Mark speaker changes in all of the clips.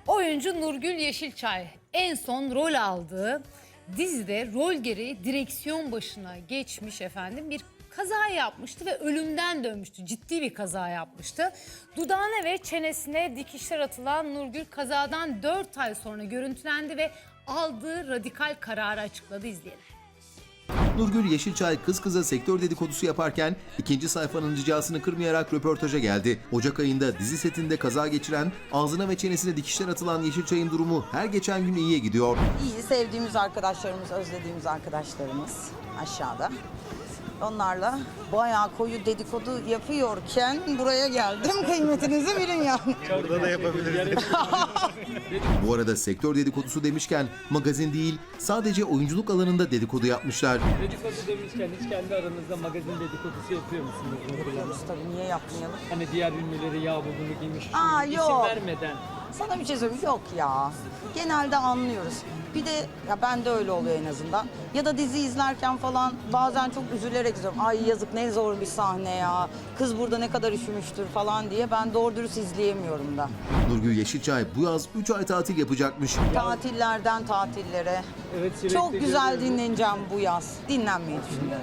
Speaker 1: Oyuncu Nurgül Yeşilçay en son rol aldığı dizide rol gereği direksiyon başına geçmiş efendim. Bir kaza yapmıştı ve ölümden dönmüştü. Ciddi bir kaza yapmıştı. Dudağına ve çenesine dikişler atılan Nurgül kazadan 4 ay sonra görüntülendi ve aldığı radikal kararı açıkladı. İzleyelim.
Speaker 2: Nurgül Yeşilçay kız kıza sektör dedikodusu yaparken ikinci sayfanın ricasını kırmayarak röportaja geldi. Ocak ayında dizi setinde kaza geçiren, ağzına ve çenesine dikişler atılan Yeşilçay'ın durumu her geçen gün iyiye gidiyor.
Speaker 3: İyi, sevdiğimiz arkadaşlarımız, özlediğimiz arkadaşlarımız aşağıda. Onlarla bayağı koyu dedikodu yapıyorken buraya geldim. Kıymetinizi bilin yani.
Speaker 4: Burada da yapabiliriz.
Speaker 2: Bu arada sektör dedikodusu demişken magazin değil, sadece oyunculuk alanında dedikodu yapmışlar.
Speaker 5: Dedikodu demişken hiç kendi aranızda magazin dedikodusu yapıyor musunuz?
Speaker 3: Yapıyoruz tabii, niye yapmayalım?
Speaker 5: Hani diğer ünlüleri ya bu bunu giymiş,
Speaker 3: Aa,
Speaker 5: isim
Speaker 3: yok.
Speaker 5: vermeden.
Speaker 3: Sana bir şey söyleyeyim, yok ya. Genelde anlıyoruz. Bir de ya ben de öyle oluyor en azından. Ya da dizi izlerken falan bazen çok üzülerek izliyorum. Ay yazık, ne zor bir sahne ya. Kız burada ne kadar üşümüştür falan diye ben doğru dürüst izleyemiyorum da.
Speaker 2: Nurgül Yeşilçay bu yaz 3 ay tatil yapacakmış.
Speaker 3: Tatillerden tatillere.
Speaker 5: Evet, sürekli
Speaker 3: Çok güzel
Speaker 5: görüyorum.
Speaker 3: dinleneceğim bu yaz. Dinlenmeyi düşünüyorum.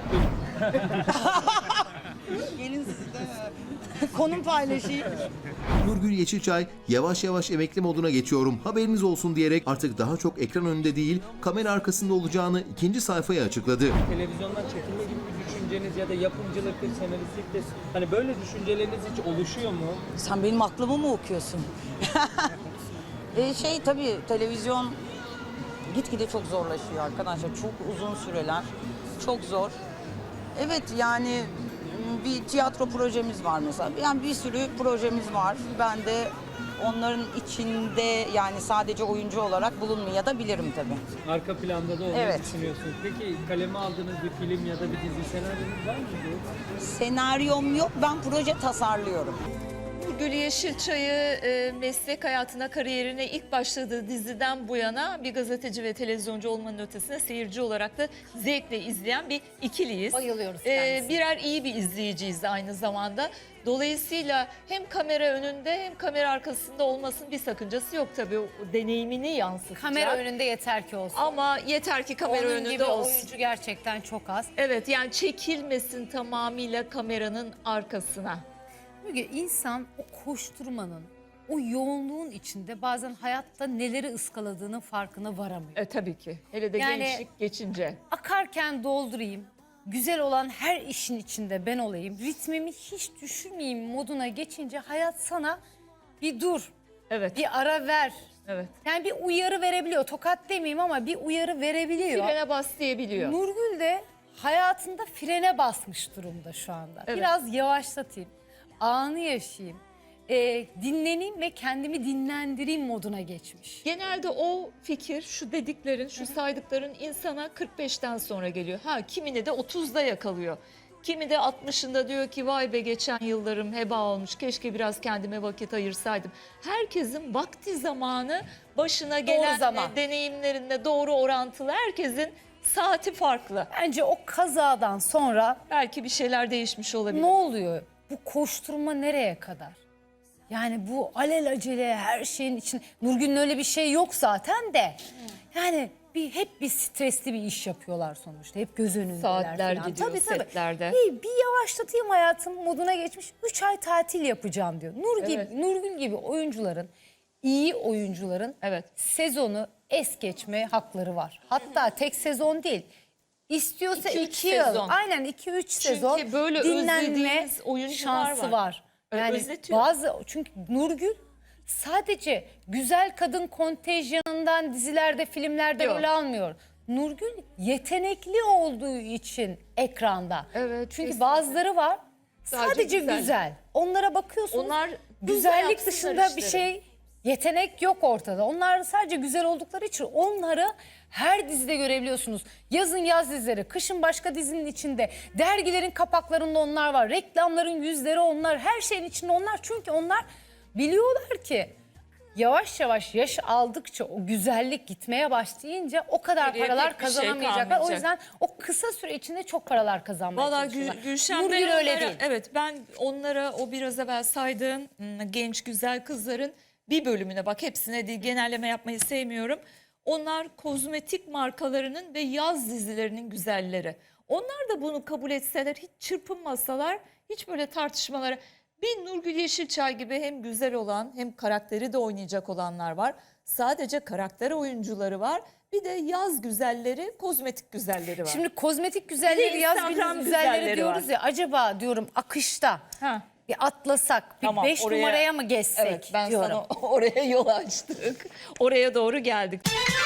Speaker 3: Gelin siz de konum paylaşayım.
Speaker 2: Nurgül Yeşilçay yavaş yavaş emekli moduna geçiyorum, haberiniz olsun diyerek artık daha çok ekran önünde değil kamera arkasında olacağını ikinci sayfaya açıkladı.
Speaker 5: Televizyondan çekilme gibi bir düşünceniz ya da yapımcılıktır, senaristliktir. Hani böyle düşünceleriniz hiç oluşuyor mu?
Speaker 3: Sen benim aklımı mı okuyorsun? Tabii televizyon gitgide çok zorlaşıyor arkadaşlar. Çok uzun süreler. Çok zor. Evet yani bir tiyatro projemiz var mesela. Yani bir sürü projemiz var. Ben de onların içinde yani sadece oyuncu olarak bulunmayabilirim tabii.
Speaker 5: Arka planda da olmayı
Speaker 3: Evet.
Speaker 5: düşünüyorsunuz. Peki kaleme aldığınız bir film ya da bir dizi senaryonuz var mıydı?
Speaker 3: Senaryom yok, ben proje tasarlıyorum.
Speaker 6: Nurgül Yeşilçay'ı meslek hayatına, kariyerine ilk başladığı diziden bu yana bir gazeteci ve televizyoncu olmanın ötesine seyirci olarak da zevkle izleyen bir ikiliyiz.
Speaker 1: Bayılıyoruz kendisine.
Speaker 6: Birer iyi bir izleyiciyiz aynı zamanda. Dolayısıyla hem kamera önünde hem kamera arkasında olmasının bir sakıncası yok tabii. O deneyimini yansıtacak.
Speaker 1: Kamera önünde yeter ki olsun.
Speaker 6: Ama yeter ki kamera
Speaker 1: Onun gibi
Speaker 6: önünde olsun.
Speaker 1: oyuncu gerçekten çok az.
Speaker 6: Evet, yani çekilmesin tamamıyla kameranın arkasına.
Speaker 1: Çünkü insan o koşturmanın, o yoğunluğun içinde bazen hayatta neleri ıskaladığının farkına varamıyor.
Speaker 6: Tabii ki. Hele de
Speaker 1: Yani-
Speaker 6: gençlik geçince.
Speaker 1: Akarken doldurayım, güzel olan her işin içinde ben olayım, ritmimi hiç düşürmeyeyim moduna geçince hayat sana bir dur,
Speaker 6: Evet.
Speaker 1: bir ara ver.
Speaker 6: Evet.
Speaker 1: Yani bir uyarı verebiliyor. Tokat demeyeyim ama bir uyarı verebiliyor.
Speaker 6: Frene bas diyebiliyor.
Speaker 1: Nurgül de hayatında frene basmış durumda şu anda.
Speaker 6: Evet.
Speaker 1: Biraz yavaşlatayım, anı yaşayayım, dinleneyim ve kendimi dinlendireyim moduna geçmiş.
Speaker 6: Genelde o fikir, şu dediklerin, şu saydıkların insana 45'ten sonra geliyor. Kimini de 30'da yakalıyor. Kimi de 60'ında diyor ki vay be geçen yıllarım heba olmuş. Keşke biraz kendime vakit ayırsaydım. Herkesin vakti zamanı başına gelen
Speaker 1: zaman.
Speaker 6: deneyimlerinde doğru orantılı. Herkesin saati farklı.
Speaker 1: Bence o kazadan sonra
Speaker 6: Belki bir şeyler değişmiş olabilir.
Speaker 1: ne oluyor? Bu koşturma nereye kadar? Yani bu alelacele her şeyin için Nurgül'ün öyle bir şey yok zaten de. Yani hep bir stresli bir iş yapıyorlar sonuçta. Hep göz önündeler
Speaker 6: Saatler
Speaker 1: falan.
Speaker 6: gidiyor setlerde.
Speaker 1: Bir yavaşlatayım hayatım moduna geçmiş. 3 ay tatil yapacağım diyor.
Speaker 6: Evet.
Speaker 1: Nurgül gibi oyuncuların, iyi oyuncuların
Speaker 6: Evet.
Speaker 1: sezonu es geçme hakları var. Hatta tek sezon değil. İstiyorsa
Speaker 6: 2-3
Speaker 1: 2 yıl.
Speaker 6: sezon.
Speaker 1: Aynen 2-3 sezon
Speaker 6: böyle
Speaker 1: dinlenme
Speaker 6: özlediğimiz oyuncular
Speaker 1: şansı
Speaker 6: var.
Speaker 1: var. Yani
Speaker 6: Özletiyor.
Speaker 1: çünkü Nurgül sadece güzel kadın kontenjanından dizilerde, filmlerde
Speaker 6: Yok.
Speaker 1: rol almıyor. Nurgül yetenekli olduğu için ekranda.
Speaker 6: Evet,
Speaker 1: Çünkü
Speaker 6: kesinlikle.
Speaker 1: bazıları var sadece
Speaker 6: güzel.
Speaker 1: güzel. Onlara bakıyorsunuz.
Speaker 6: Onlar
Speaker 1: güzellik
Speaker 6: yapsınlar
Speaker 1: dışında bir
Speaker 6: işleri.
Speaker 1: şey, yetenek yok ortada. Onlar sadece güzel oldukları için onları her dizide görebiliyorsunuz. Yazın yaz dizileri, kışın başka dizinin içinde, dergilerin kapaklarında onlar var, reklamların yüzleri onlar, her şeyin içinde onlar. Çünkü onlar biliyorlar ki yavaş yavaş yaş aldıkça o güzellik gitmeye başlayınca o kadar
Speaker 6: Geriye
Speaker 1: paralar
Speaker 6: pek bir şey
Speaker 1: kazanamayacaklar. O
Speaker 6: kalmayacak.
Speaker 1: yüzden o kısa süre içinde çok paralar kazanmaya
Speaker 6: Valla
Speaker 1: çalışıyorlar.
Speaker 6: Gülşen
Speaker 1: Nurgül
Speaker 6: ben
Speaker 1: öyle
Speaker 6: onlara,
Speaker 1: değil.
Speaker 6: evet ben onlara o biraz evvel saydığım genç güzel kızların bir bölümüne bak, hepsine değil, genelleme yapmayı sevmiyorum. Onlar kozmetik markalarının ve yaz dizilerinin güzelleri. Onlar da bunu kabul etseler, hiç çırpınmasalar, hiç böyle tartışmalara. Bir Nurgül Yeşilçay gibi hem güzel olan hem karakteri de oynayacak olanlar var. Sadece karakter oyuncuları var. Bir de yaz güzelleri, kozmetik güzelleri var.
Speaker 1: Şimdi kozmetik güzelleri,
Speaker 6: Bir de
Speaker 1: yaz
Speaker 6: Instagram
Speaker 1: güzelleri
Speaker 6: güzelleri
Speaker 1: diyoruz
Speaker 6: var.
Speaker 1: ya, acaba diyorum akışta
Speaker 6: Ha.
Speaker 1: bir atlasak, bir
Speaker 6: Tamam,
Speaker 1: 5
Speaker 6: oraya-
Speaker 1: numaraya mı geçsek
Speaker 6: Evet, ben
Speaker 1: diyorum.
Speaker 6: sana oraya yol açtık. Oraya doğru geldik.